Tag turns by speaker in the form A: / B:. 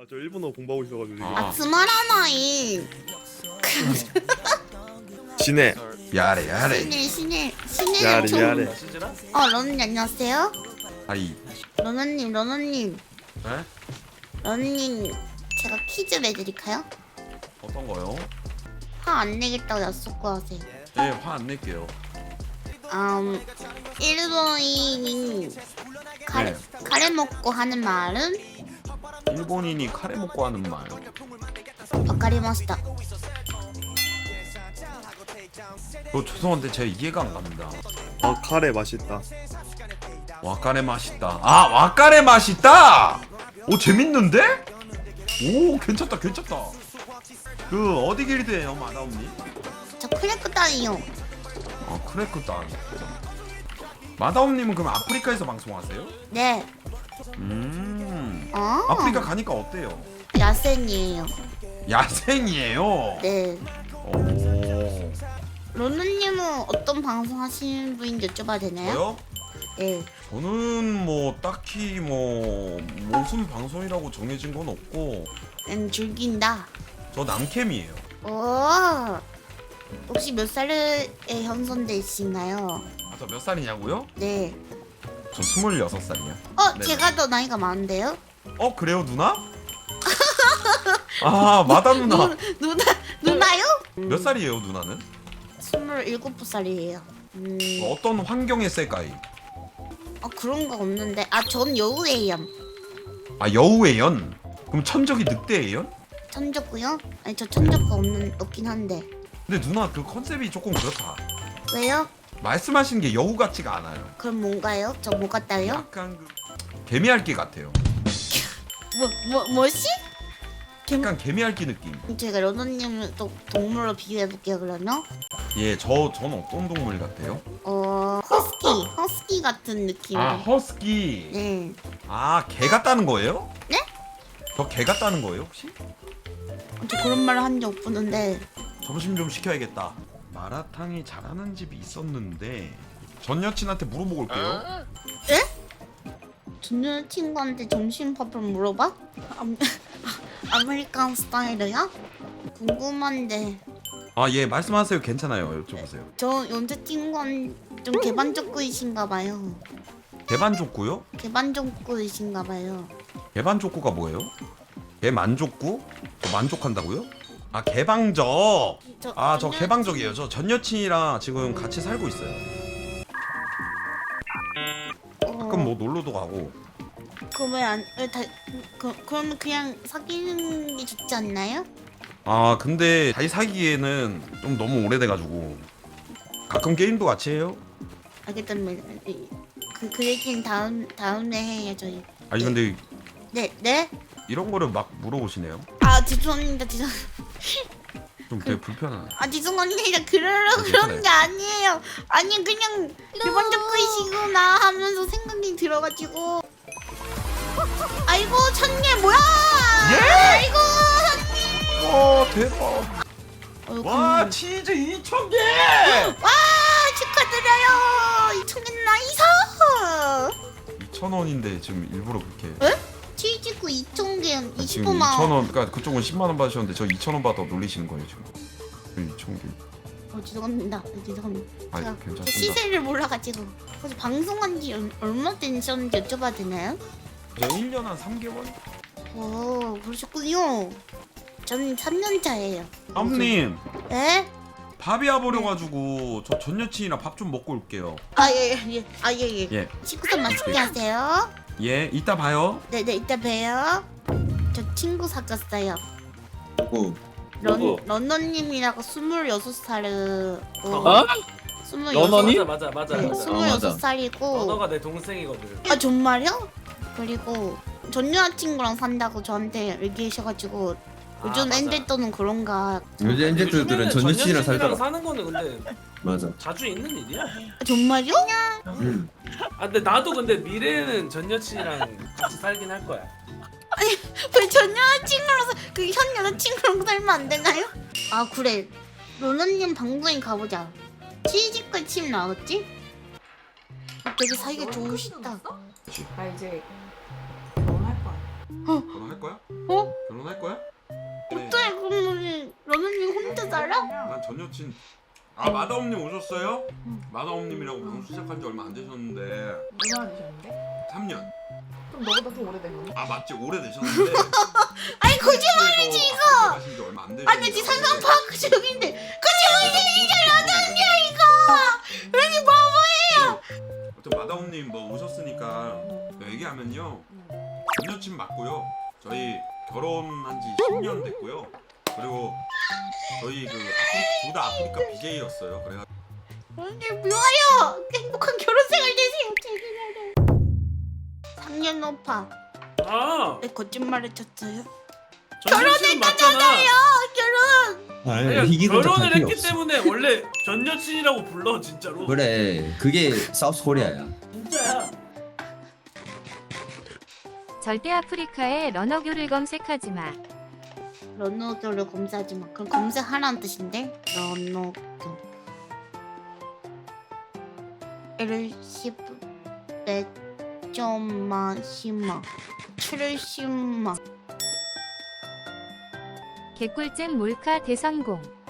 A: 저 일본어 공부하고 있어가지고 지금.
B: 아 스마라나이
A: 지네.
C: 야래 야래
B: 신의
A: 야래
B: 총.
A: 야래.
B: 러너님 안녕하세요.
C: 아이
B: 러너님
C: 에?
B: 러너님 제가 퀴즈 내드릴까요?
C: 어떤 거요?
B: 화 안 내겠다고 약속 하세요.
C: 네, 화 안 낼게요.
B: 일본인이 카레 먹고 하는 말은
C: 일본인이 카레 먹고 하는 말.
B: 와카리마시타.
C: 죄송한데 제가 이해가 안 갑니다.
A: 아 카레 맛있다.
C: 와카레 맛있다. 아, 와카레 맛있다. 오, 재밌는데? 오, 괜찮다. 그 어디 길드예요, 마다옴님?
B: 저 크래크 따이요.
C: 아, 크래크단. 마다옴님은 그럼 아프리카에서 방송하세요?
B: 네.
C: 아프리카 가니까 어때요?
B: 야생이에요.
C: 야생이에요.
B: 네.
C: 오.
B: 러너님은 어떤 방송 하시는 분인지 여쭤봐도 되나요?
C: 저요?
B: 네.
C: 저는 뭐 딱히 뭐 무슨 방송이라고 정해진 건 없고
B: 즐긴다.
C: 저 남캠이에요.
B: 오. 혹시 몇 살에 현선되신가요?
C: 아, 저 몇 살이냐고요?
B: 네.
C: 저 26살이요. 네네.
B: 제가 더 나이가 많은데요?
C: 그래요, 누나? 아, 마다 누나.
B: 누나요?
C: 몇 살이에요, 누나는?
B: 27살이에요.
C: 어떤 환경의 셀까이?
B: 그런 거 없는데. 전 여우예요.
C: 아, 여우의 연. 그럼 천적이 늑대의 연?
B: 천적구요? 아니 저 천적가 없긴 한데.
C: 근데 누나 그 컨셉이 조금 그렇다.
B: 왜요?
C: 말씀하신 게 여우 같지가 않아요.
B: 그럼 뭔가요? 저 뭐 같다요?
C: 약간 그 개미핥기 같아요.
B: 뭐지?
C: 약간 개미핥기 느낌.
B: 제가 러너님을 또 동물로 비교해볼게요 그러면.
C: 예, 저는 어떤 동물 같아요?
B: 허스키 같은 느낌.
C: 아, 허스키.
B: 네.
C: 아, 개 같다는 거예요?
B: 네?
C: 저 개 같다는 거예요, 혹시?
B: 저 그런 말을 한 적 없는데.
C: 점심 좀 시켜야겠다. 마라탕이 잘하는 집이 있었는데 전 여친한테 물어보고 올게요.
B: 전 여친구한테 점심밥을 물어봐? 아메리칸 스타일이야? 궁금한데.
C: 아, 예, 말씀하세요. 괜찮아요. 여쭤보세요.
B: 저 여자친구는 좀 개반족구이신가봐요.
C: 개반족구요?
B: 개반족구이신가봐요.
C: 개반족구가 뭐예요? 개만족구? 저 만족한다고요? 아, 개방적. 아, 저 개방적이에요. 저 전 여친이랑 지금 같이 살고 있어요. 가끔 뭐 놀러도 가고.
B: 그러면 그냥 사귀는 게 좋지 않나요?
C: 아, 근데 다시 사귀기에는 좀 너무 오래돼가지고 가끔 게임도 같이 해요.
B: 알겠답니다. 그 얘기는 다음에 해요 저희.
C: 아니 근데
B: 네?
C: 이런 거를 막 물어보시네요.
B: 죄송합니다.
C: 좀 되게 불편하네.
B: 죄송합니다. 그러려고
C: 괜찮아요.
B: 그런 게 아니에요. 아니 그냥 개반족구이시구나 하면서 생각이 들어가지고. 아이고 천개 뭐야? 아이고
C: 대박.
B: 천개.
C: 와, 치즈 2,000개.
B: 와 축하드려요. 2,000개 나이스.
C: 2,000원인데 지금 일부러 그렇게.
B: 치즈구 2,000개
C: 지금
B: 25만 원.
C: 2,000원. 그러니까 그쪽은 10만 원 받으셨는데 저 2,000원 받아 놀리시는 거예요 지금. 2,000개.
B: 죄송합니다.
C: 아,
B: 제가
C: 괜찮습니다.
B: 시세를 몰라가지고. 혹시 방송한 지 얼마 되셨는지 여쭤봐도 되나요?
C: 저 1년 한 3개월?
B: 그러셨군요. 저는 3년 차예요.
C: 아버님,
B: 네?
C: 밥이 와버려가지고 저 전 여친이랑 밥 좀 먹고 올게요.
B: 예.
C: 예.
B: 식구도 맛있게 하세요.
C: 예, 이따 봐요.
B: 네, 이따 봬요. 저 친구 사귀었어요.
D: 누구?
B: 런너님이라고 26살을.
D: 어?
B: 26.
D: 러너니?
E: 맞아.
B: 네,
D: 맞아.
B: 26살이고.
E: 언어가 내 동생이거든.
B: 정말요? 그리고 전 여자친구랑 산다고 저한테 얘기하셔가지고 요즘
E: 맞아.
B: 엔젤또는 그런가.
D: 요즘 엔젤들은 전 여친이랑 살더라.
E: 사는 거는 근데
D: 맞아.
E: 자주 있는 일이야.
B: 정말요?
E: 근데 나도 근데 미래에는 전 여친이랑 같이 살긴 할 거야.
B: 왜 전 여자친구랑 현 여자친구랑 살면 안 되나요? 그래. 로너님 방송에 가보자. 치즈과 침 나왔지? 되게 사이가 좋으시다.
F: 나 이제 결혼할 거야.
C: 그럼 할 거야?
B: 어?
C: 여친. 아 마다옴님 오셨어요?
B: 응.
C: 마다옴님이라고 방송 시작한 지 얼마 안 되셨는데
F: 얼마나 되셨는데?
C: 3년.
F: 그럼 너보다 좀 오래된 거네.
C: 아 맞지 오래되셨는데.
B: 아니 거짓말이지 이거.
C: 가신 지 얼마 안 되셨는데.
B: 아니 지 상상 파악 중인데 거짓말이잖아 어떡해 이거. 왜 바보예요.
C: 아무튼 마다옴님 뭐 오셨으니까 얘기하면요. 전 여친 맞고요. 저희 결혼한 지 10년 됐고요. 그리고 저희 그 둘 다 아프리카 BJ였어요. 그래가
B: 근데 묘해요. 행복한 결혼 생활 되세요. 제기라래. 3년 오빠
E: 아
B: 왜 거짓말을 쳤어요?
E: 결혼했다잖아요.
B: 결혼.
D: 아니 이기는
E: 결혼을
D: 척할 필요
E: 했기
D: 없어.
E: 때문에 원래 전 여친이라고 불러 진짜로.
D: 그래 그게 사우스 코리아야.
E: 진짜야.
G: 절대 아프리카에 러너교를 검색하지 마.
B: 런너교를 검사하지 마. 그럼 검색하라는 뜻인데? 런너교. 일십 점마 심마 70만.
G: 개꿀잼 몰카 대성공.